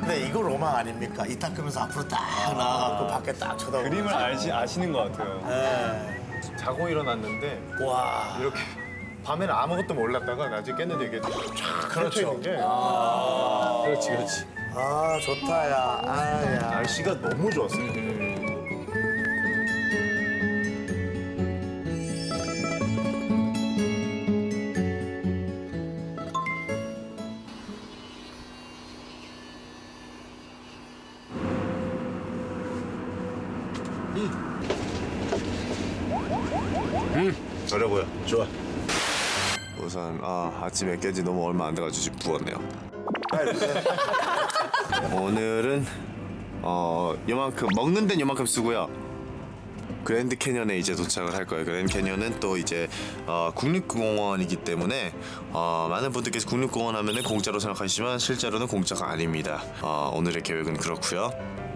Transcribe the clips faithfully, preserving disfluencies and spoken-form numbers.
근데 이거 로망 아닙니까? 이 닦으면서 앞으로 딱 나가고 밖에 딱 쳐다보고. 그림을 아시, 아시는 것 같아요. 네. 자고 일어났는데 와. 이렇게 밤에는 아무것도 몰랐다가 낮에 깼는데 이게 쫙 그렇죠. 펼쳐 있는 게 그렇지, 그렇지. 아, 좋다, 야. 아, 야. 날씨가 너무 좋았어요. 어려 보여. 좋아. 우선 아, 아침에 깬지 너무 얼마 안 돼가지고 지금 부었네요. 오늘은 어 요만큼 먹는 데는 요만큼 쓰고요. 그랜드 캐년에 이제 도착을 할 거예요. 그랜드 캐년은 또 이제 어, 국립공원이기 때문에 어, 많은 분들께서 국립공원 하면은 공짜로 생각하시지만 실제로는 공짜가 아닙니다. 어, 오늘의 계획은 그렇고요.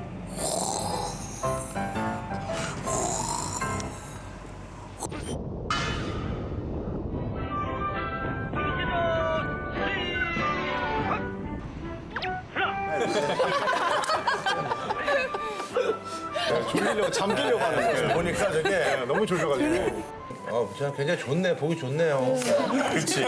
졸리려고 잠기려고 하는 거예요. 보니까 저게 너무 졸려가지고. 아, 진짜 굉장히 좋네. 보기 좋네요. 그렇지.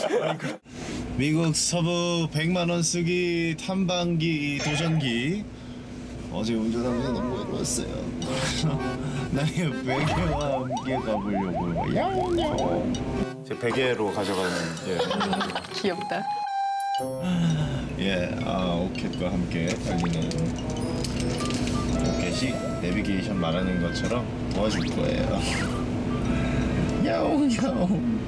미국 서부 백만 원 쓰기 탐방기 도전기. 어제 운전하면서 너무 외로웠어요. 나의 베개와 함께 가보려고. 야옹야옹. 제 베개로 가져가는 예. 귀엽다. 예, 아 오켓과 함께 달리는 오켓이 내비게이션 말하는 것처럼 도와줄 거예요. 야옹야옹.